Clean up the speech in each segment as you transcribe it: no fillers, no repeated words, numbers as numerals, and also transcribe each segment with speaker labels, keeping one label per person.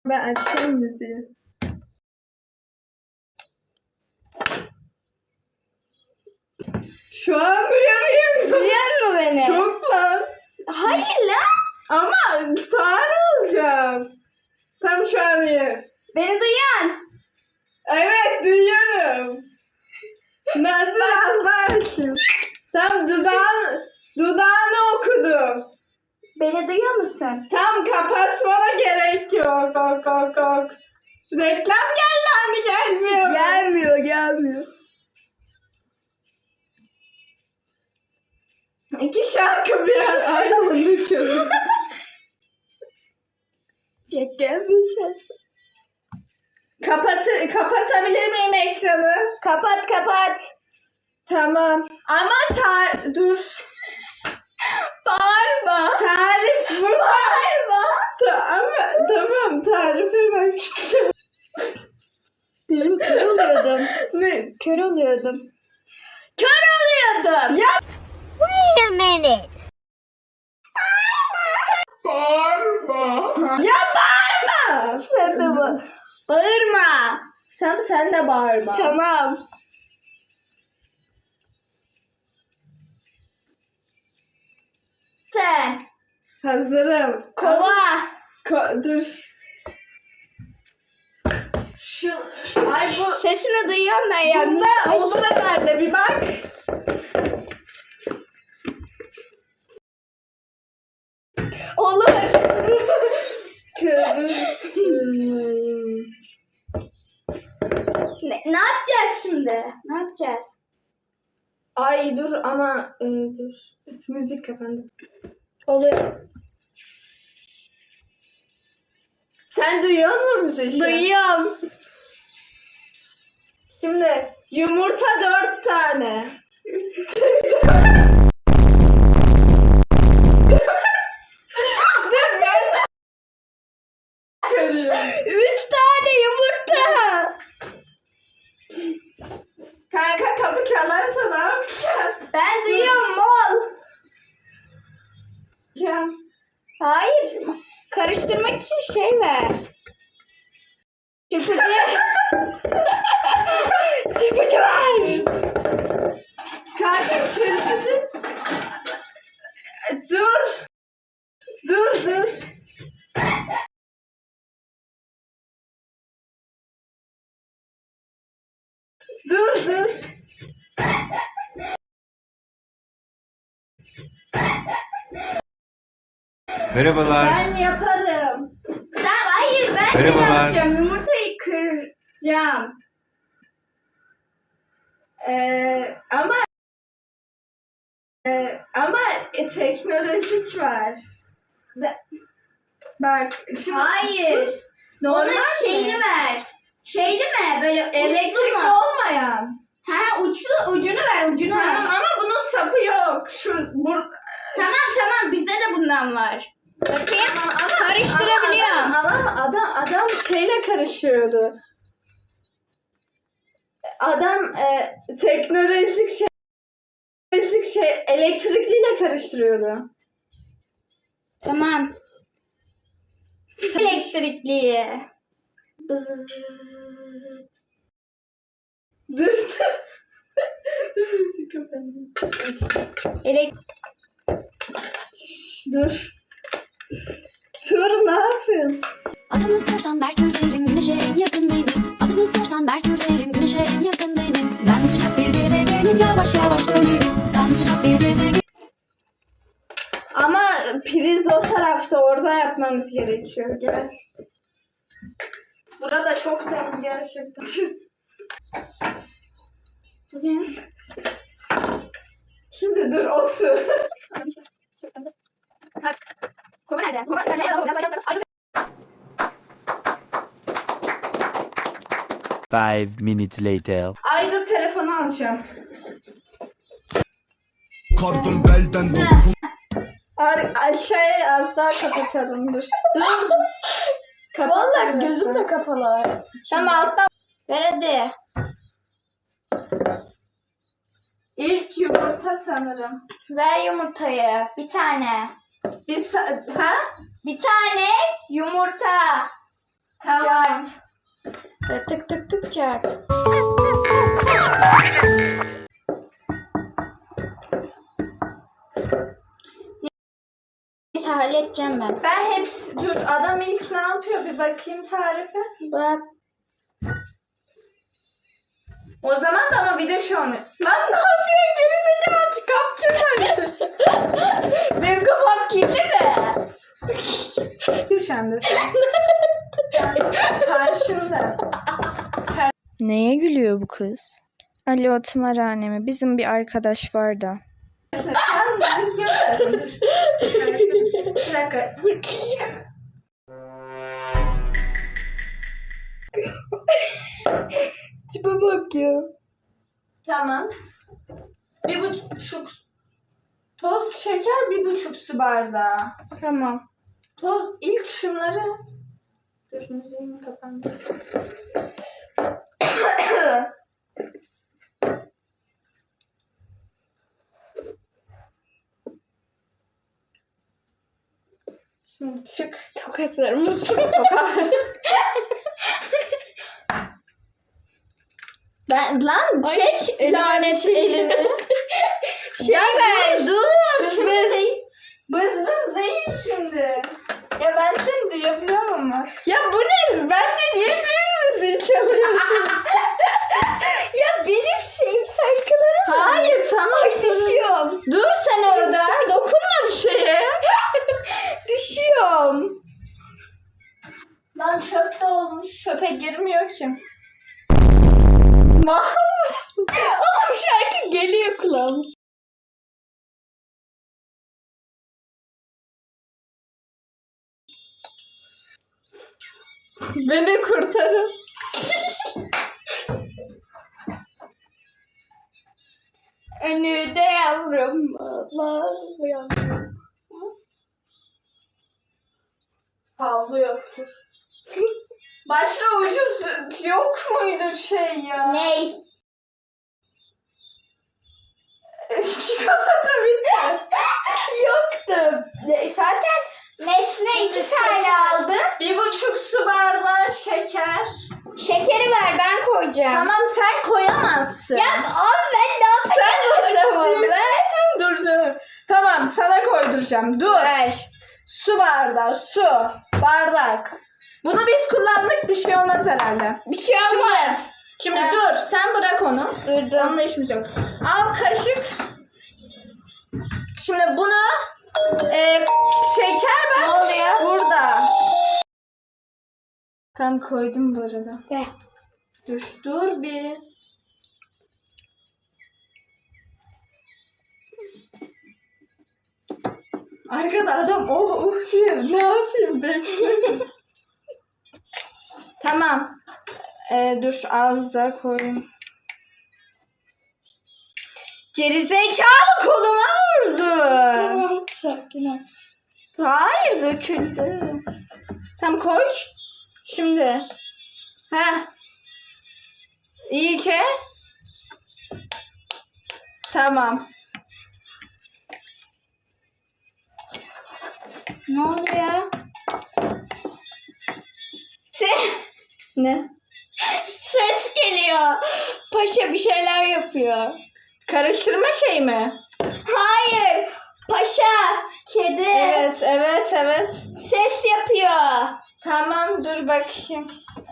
Speaker 1: Ben açıyorum müziği. Şu an duyamıyorum.
Speaker 2: Duyar mı beni?
Speaker 1: Çok lan.
Speaker 2: Hayır lan.
Speaker 1: Ama sağır olacağım. Tam şu an iyi.
Speaker 2: Beni duyan.
Speaker 1: Evet duyuyorum. Dur az daha açayım. Tam dudağını okudum.
Speaker 2: Beni duyuyor musun?
Speaker 1: Tam kapatmana gerek yok. Yok. Reklam geldi hani gelmiyor.
Speaker 2: Gelmiyor.
Speaker 1: İki şarkı bir an aynı anda çalıyor.
Speaker 2: Çekemeyeceğim.
Speaker 1: Kapatabilir miyim ekranı?
Speaker 2: Kapat.
Speaker 1: Tamam. Ama dur.
Speaker 2: Bağırma.
Speaker 1: Tarif burada.
Speaker 2: Bağırma.
Speaker 1: Tamam tarife bak işte.
Speaker 2: Benim kör oluyordum.
Speaker 1: Ne?
Speaker 2: Kör oluyordum.
Speaker 1: Ya
Speaker 3: Wait a minute.
Speaker 1: ya bağırma.
Speaker 2: Sen de bağırma.
Speaker 1: Sen de bağırma.
Speaker 2: Tamam. Sen.
Speaker 1: Hazırım.
Speaker 2: Kova.
Speaker 1: Dur. Ay bu
Speaker 2: Sesini duyuyorum ben ya.
Speaker 1: bunda olur herhalde bir bak.
Speaker 2: Olur. Ne yapacağız şimdi? Ne yapacağız?
Speaker 1: Ay dur ama dur. Müzik kapandı.
Speaker 2: Oluyor.
Speaker 1: Sen duyuyor musun müziği?
Speaker 2: Duyuyorum.
Speaker 1: Şimdi yumurta 4 tane. Dur ben karıyorum.
Speaker 2: 3 tane yumurta.
Speaker 1: Kanka kapı çalarsa ne yapacaksın?
Speaker 2: Ben duyuyorum mol. Hayır. Karıştırmak için şey ver. Çırpıcı. Çırpıcı ver.
Speaker 1: Kanka çırpıcı. Dur. Dur.
Speaker 4: Merhabalar.
Speaker 1: Ben yaparım.
Speaker 2: Sen hayır ben de
Speaker 4: Merhabalar.
Speaker 2: yapacağım. Yumurtayı kıracağım.
Speaker 1: Ama teknolojik var. Bak şimdi
Speaker 2: Hayır.
Speaker 1: normal
Speaker 2: Onun şeyini ver. Şeyli mi? Böyle uçlu
Speaker 1: elektrikli
Speaker 2: mu?
Speaker 1: olmayan.
Speaker 2: Ha ucunu ver ucunu ver.
Speaker 1: Tamam ama bunun sapı yok.
Speaker 2: Tamam bizde de bundan var. Bakayım.
Speaker 1: Ama
Speaker 2: Karıştırabiliyorum.
Speaker 1: Adam şeyle karışıyordu. Adam teknolojik şey elektrikliyle karıştırıyordu.
Speaker 2: Tamam. Elektrikli.
Speaker 1: Dur. Dur. Dur ne yapıyorsun?
Speaker 5: Adımı sorsan Merkür derim, Güneş'e en yakın benim. Adımı sorsan Merkür derim, Güneş'e en yakın benim. Ben sıcak bir gezegenim, yavaş yavaş dönerim. Ben sıcak bir gezegenim.
Speaker 1: Ama priz o tarafta, orada yapmamız gerekiyor. Gel. Burada çok temiz gerçekten. Şimdi dur o su.
Speaker 2: Kova nerede? Kova nerede?
Speaker 4: 5 minutes later.
Speaker 1: Ay dur telefonu alacağım.
Speaker 6: Kardım belden dokun.
Speaker 1: Aşağıya az daha kapatalım dur. Dur.
Speaker 2: Vallahi gözüm de kapalı.
Speaker 1: Tamam alttan.
Speaker 2: Ver hadi.
Speaker 1: İlk yumurta sanırım.
Speaker 2: Ver yumurtayı. Bir tane.
Speaker 1: Ha?
Speaker 2: Bir tane yumurta.
Speaker 1: Tamam.
Speaker 2: Tık tık tık çart. Neyse halledeceğim ben.
Speaker 1: Ben hepsi... Dur adam ilk ne yapıyor bir bakayım tarife.
Speaker 2: Bırak.
Speaker 1: O zaman da ama video şu an. Lan ne yapıyorsun gerizekalı kap kirlendi.
Speaker 2: Benim kafam kirli mi?
Speaker 1: Dur şu anda sen. Karşında.
Speaker 7: Neye gülüyor bu kız? Alo tımarhanemi. Bizim bir arkadaş var da.
Speaker 1: Sen müzik yok. Dur. Bir dakika.
Speaker 7: Tipe bak ya.
Speaker 1: Tamam. 1,5 toz şeker 1,5 su bardağı.
Speaker 7: Tamam.
Speaker 1: Toz ilk şunları. Dur müziğim kapandı. Şimdi çık.
Speaker 2: Tokatlar mısın?
Speaker 1: Ben lan çek lanet elini.
Speaker 2: Şey ver.
Speaker 1: Dur.
Speaker 2: Bız
Speaker 1: Şimdi
Speaker 2: bız.
Speaker 1: değil. Bız bız değil şimdi.
Speaker 2: Ya ben seni duyabiliyorum ama.
Speaker 1: Ya bu ne? Ben de niye düğün müziği çalıyorsun?
Speaker 2: Ya benim şarkılarım.
Speaker 1: Hayır tamam.
Speaker 2: Düşüyorum.
Speaker 1: Dur sen orada. Dokunma bir şeye.
Speaker 2: Düşüyorum.
Speaker 1: Lan çöp de olmuş. Çöpe girmiyor ki. Mal mısın?
Speaker 2: Oğlum şarkı geliyor kulağıma.
Speaker 1: Beni kurtarın.
Speaker 2: Önüde yavrum. Allah yavrum.
Speaker 1: Havlu yoktur. Başka ucuz yok muydu şey ya?
Speaker 2: Ney?
Speaker 1: Çikolata bitti.
Speaker 2: Yoktu. Zaten Nesne 2 tane aldım.
Speaker 1: 1,5 su bardağı şeker.
Speaker 2: Şekeri ver ben koyacağım.
Speaker 1: Tamam sen koyamazsın.
Speaker 2: Ya abi ben ne yapayım o zaman? Ver.
Speaker 1: Dur canım. Tamam sana koyduracağım. Dur.
Speaker 2: Ver.
Speaker 1: Su bardağı, su, bardak. Bunu biz kullandık bir şey olmaz herhalde.
Speaker 2: Bir şey olmaz.
Speaker 1: Şimdi
Speaker 2: Ha.
Speaker 1: dur sen bırak onu.
Speaker 2: Durdum.
Speaker 1: Onunla işimiz yok. Al kaşık. Şimdi bunu şeker
Speaker 2: Ne
Speaker 1: bak.
Speaker 2: oluyor?
Speaker 1: Burada. Tam koydum bu arada.
Speaker 2: Ver.
Speaker 1: Dur bir. Arkada adam diyor. Ne yapayım bekle. Tamam. Dur az da koyayım. Gerizekalı koluma vurdu.
Speaker 2: Tamam, sakin ol.
Speaker 1: Hayır döküldü. Tamam koy. Şimdi. Heh. İyice. Tamam.
Speaker 2: Ne oluyor?
Speaker 1: Ne?
Speaker 2: Ses geliyor. Paşa bir şeyler yapıyor.
Speaker 1: Karıştırma şey mi?
Speaker 2: Hayır. Paşa. Kedi.
Speaker 1: Evet.
Speaker 2: Ses yapıyor.
Speaker 1: Tamam dur bakayım.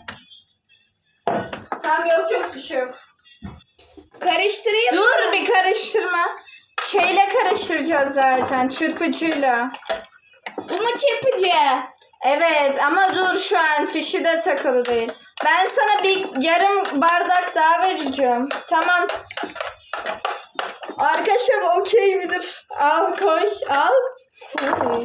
Speaker 1: Tamam yok bir şey yok.
Speaker 2: Karıştırayım.
Speaker 1: Dur bir karıştırma. Şeyle karıştıracağız zaten çırpıcıyla.
Speaker 2: Bu mu çırpıcı?
Speaker 1: Evet ama dur şu an fişi de takılı değil. Ben sana bir yarım bardak daha vereceğim. Tamam. Arkadaşlar okey midir? Al koy al. Koy.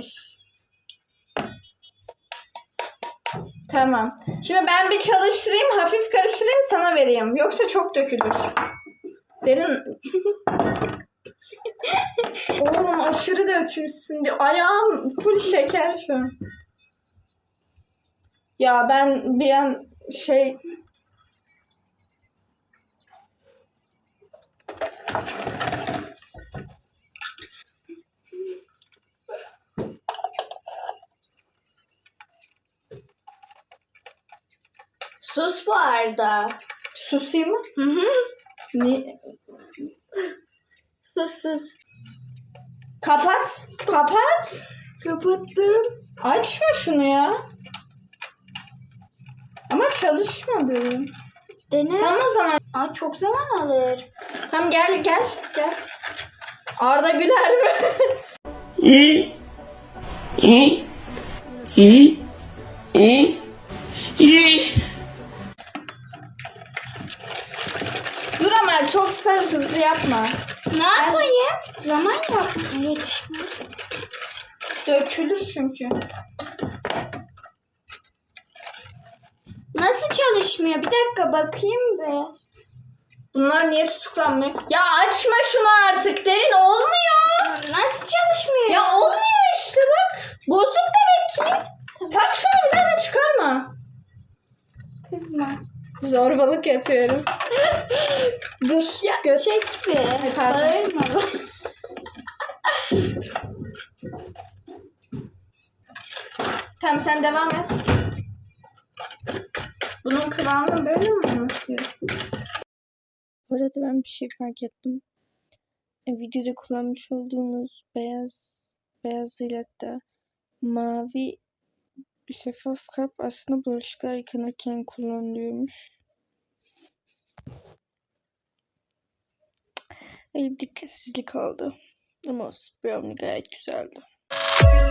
Speaker 1: Tamam. Şimdi ben bir çalıştırayım hafif karıştırayım sana vereyim. Yoksa çok dökülür. Derin. Oğlum aşırı dökülsün diye. Ayağım full şeker şu an. Ya ben bir an şey...
Speaker 2: Sus bu arada.
Speaker 1: Susayım mı?
Speaker 2: Hı hı.
Speaker 1: Ni-
Speaker 2: Sus.
Speaker 1: Kapat. Kapat.
Speaker 2: Kapattım.
Speaker 1: Açma şunu ya. Ama çalışmadı.
Speaker 2: Dene.
Speaker 1: Tamam o zaman.
Speaker 2: Aa, çok zaman alır.
Speaker 1: Tamam gel. Arda Güler mi? Dur ama çok hızlı yapma.
Speaker 2: Ne yapayım? Zaman yok. Yetişme.
Speaker 1: Dökülür çünkü.
Speaker 2: Nasıl çalışmıyor? Bir dakika bakayım be.
Speaker 1: Bunlar niye tutuklanmıyor? Ya açma şunu artık derin olmuyor.
Speaker 2: Nasıl çalışmıyor?
Speaker 1: Ya olmuyor işte bak. Bozuk demek ki. Tak şunu bir daha da çıkarma.
Speaker 2: Kızma.
Speaker 1: Zorbalık yapıyorum. Dur.
Speaker 2: Ya çek be.
Speaker 1: pardon.
Speaker 2: Bağırma.
Speaker 1: Tamam sen devam et. Bunun kıvamı böyle mi olması gerekiyor?
Speaker 7: Bu arada ben bir şey fark ettim. Videoda kullanmış olduğumuz beyaz değil hatta mavi şeffaf kap aslında bulaşıklar yıkanırken kullanılıyormuş. Öyle bir dikkatsizlik oldu. Ama olsun, brownie gayet güzeldi.